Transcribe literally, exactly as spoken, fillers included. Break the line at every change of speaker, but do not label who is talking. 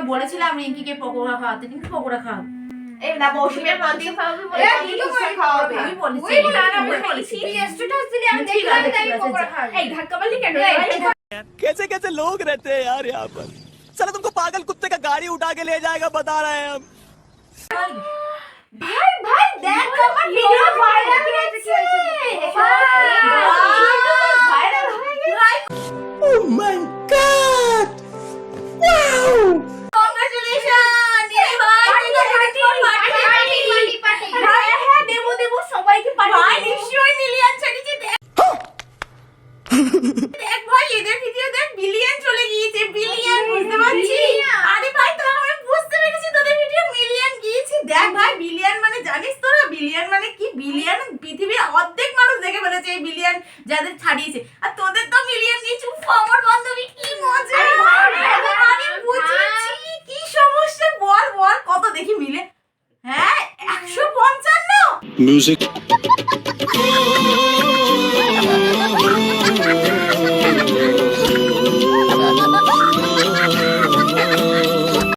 তোমাকে বলেছিলাম রিঙ্কিকে পকোড়া খাওয়াতে, রিঙ্কি পকোড়া খাও।
এই না মৌসুমীর মাংস খাওয়াবে বলে
আমি তো খাওয়াবে আমি বলেছি
ওই না না আমি বলেছি
তুই স্ট্যাটাস দিলি আমি দেখলাম তাই পকোড়া খাও।
এই ধাক্কা মারলি কেন?
कैसे कैसे लोग रहते हैं यार यहाँ पर। चलो तुमको पागल कुत्ते का गाड़ी उठा के ले जाएगा बता रहे हैं हम।
ভাই ভাই দেখ আমার ভিডিও ভাইরাল হয়েছে ভাইরাল হয়ে গেছে।
Oh my God! Wow!
Congratulation এই ভাই তুই তো পার্টি পার্টি পার্টি পার্টি ভাই হ্যাঁ দেব দেব সবাইকে পার্টি ভাই নিশ্চয়ই মিলিয়ন ছাড়িয়েছে দেখ দেখ ভাই এদের ভিডিও দেখ বিলিয়ন চলে গিয়েছে বিলিয়ন বুঝতে পারছিস? আরে ভাই তো আমি বুঝতে পেরেছি তোদের ভিডিও মিলিয়ন গিয়েছে। দেখ ভাই বিলিয়ন মানে জানিস তোরা বিলিয়ন মানে কি? বিলিয়ন পৃথিবীর অর্ধেক মানুষ দেখে ফেলেছে এই বিলিয়ন যাদের ছাড়িয়েছে, আর তোদের তো মিলিয়ন গিয়েছে। উফ আমার বান্ধবী কি মজা! আমি বুঝেছি কি সমস্যা বল বল কত দেখি মিলে? হ্যাঁ একশো পঞ্চান্ন
Music.